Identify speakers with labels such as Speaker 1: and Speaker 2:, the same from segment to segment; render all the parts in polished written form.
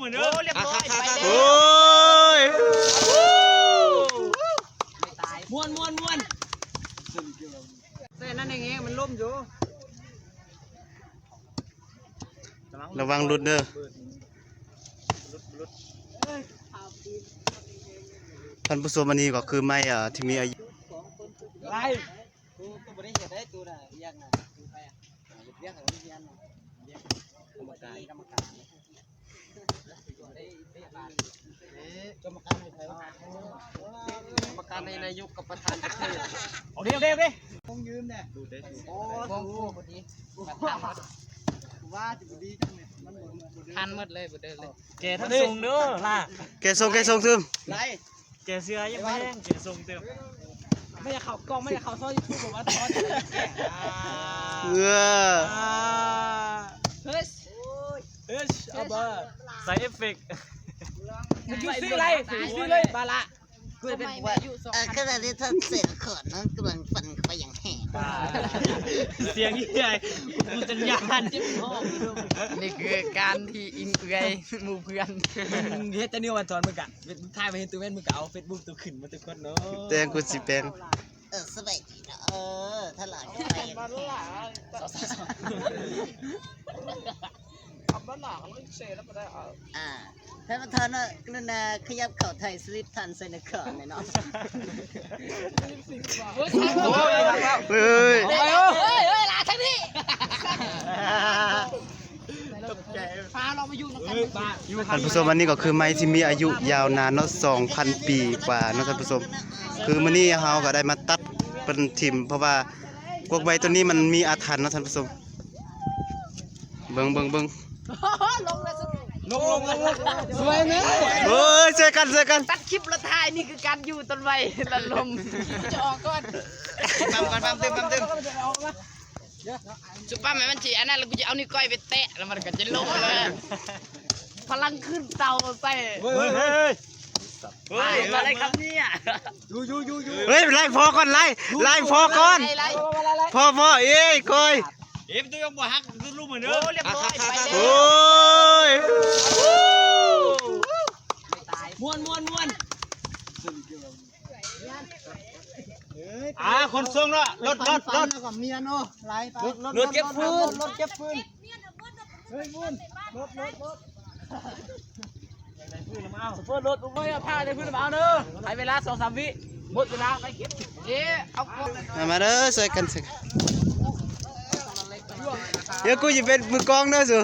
Speaker 1: เหมือนเดิมเรียบร้อยไปแล้ว
Speaker 2: โอ้ย
Speaker 1: ม้วนเส้นนั่นเองมันล่มอยู่
Speaker 2: ระวังหลุดเด้อท่านผู้ชมอันนี้ก็คือไม้ที่มีอายุ
Speaker 1: ไรกูไม่ได้เห็นได้ตัวน่ะเรียกน่ะคือใครอ่ะเรียกอะไรเรียกน่ะเรียกกรรมการกรรมการในไทยวะกรรมการในนายกกับประธานประเทศเอาเรียกคงยืมเนี่ยดูได้โอ้พอดีว่าจะดีจังเลยมันทันหมดเลยบ่เดินเลยแกทั้งทรงเด้อล่ะ
Speaker 2: แกส่งซึม
Speaker 1: ไรแกเสื้อยังไม่แห้งแกทรงเติมไม่อยากเข้ากล้องไม่อยากเข้าซอยยูทูบบอกว่าตอนเฮ้ยเอาบ้าใส่เอฟเฟกต์มึงซื้ออะไรซื้อเลยบาละกูจะเป็นว่า
Speaker 3: ขณะที่ท่านเสร็จขอดนั้นกำลังฟันเข้าไปอย่างแห้ง
Speaker 1: เสียงยิ่งใหญ่กูจะยาน
Speaker 3: นี่คือการที่อินเกยหมู่เพื่อน
Speaker 1: เฮ็ดแต่เนี่ยวันตอนมึงกะมึงถ่ายมาเห็นตัวแม่มึงกะเอาเฟซบุ๊กตัวขึ้นมาตัวคนเนาะ
Speaker 2: แตงกูสิแปลง
Speaker 3: สบายดีนะถ้าหลังไปอย่างแห้ง ท่านประธานกรุณาขยับเข่าไทยสลิปทันใส่ในข่าวหน่อยเนาะ
Speaker 2: เฮ้ย
Speaker 3: ลาทั้งนี้
Speaker 1: พาเรามาอยู่กัน
Speaker 2: ท่านผู้ชมอันนี้ก็คือไม้ที่มีอายุยาวนานเนาะ 2,000 ปีกว่าเนาะท่านผู้ชมคือมื้อนี้เฮาก็ได้มาตัดเป็นทิ่มเพราะว่าพวกใบตัวนี้มันมีอาถรรพ์เนาะท่านผู้ชมเบิ่ง
Speaker 1: ลงสวยไหม
Speaker 2: เฮ้ยเจอกัน
Speaker 3: ตัดคลิปละทายนี่คือการอยู่ต้นไม้ละลมจะออกก่อนปั๊มเติมจุ๊บปั๊มมันจีอันนั้นแล้วกูจะเอานิ้วก้อยไปแตะแล้วมันก็จะลงเลยพลังขึ้นเตาไป
Speaker 1: เฮ้ย
Speaker 3: อะไรครับเนี่ย
Speaker 2: เฮ้ยไล่พอก่อนไล่พอก่อนพอเอ้ยก้อย
Speaker 1: ตัวยังบ่ฮักรู้เหมือนเดิมเรียบร้อยไปแล้ว
Speaker 2: โอ้ย
Speaker 1: ม้วนคนทรงเนาะรถกับเมียเนาะไล่ไปรถเก็บฟืนเฮ้ยรถสปอร์ตรถไม่เอาผ้าในพื้นมาเอาเนอะใช้เวลา2-3 วิหมดเวลาไปเก็บเอา
Speaker 2: มาเด้อช่วยกันสิเดี๋ยวกูจะเป็นมือกองเด้อสิ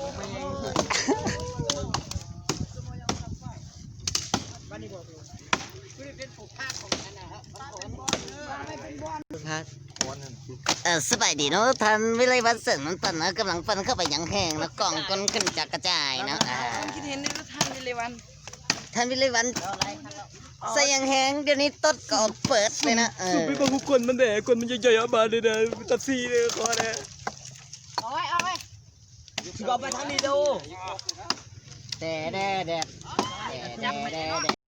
Speaker 3: สบายดีเนาะท่านวิไลวันเสริมมันปั่นนะกำลังปั่นเข้าไปอย่างแห้งแล้วกล่องก้นขึ้นจากกระจายนะคิดเห็นในท่านวิไลวันใส่อย่างแห้งเดี๋ยวนี้ต้นก็เปิดเลยนะ
Speaker 1: ไม่บอกกูคนมันแดกคนมันใหญ่ๆมาเลยนะตัดซีเลยคอเนี่ยเอาไว้ที่บอกไปทางนี้ดู
Speaker 3: แดด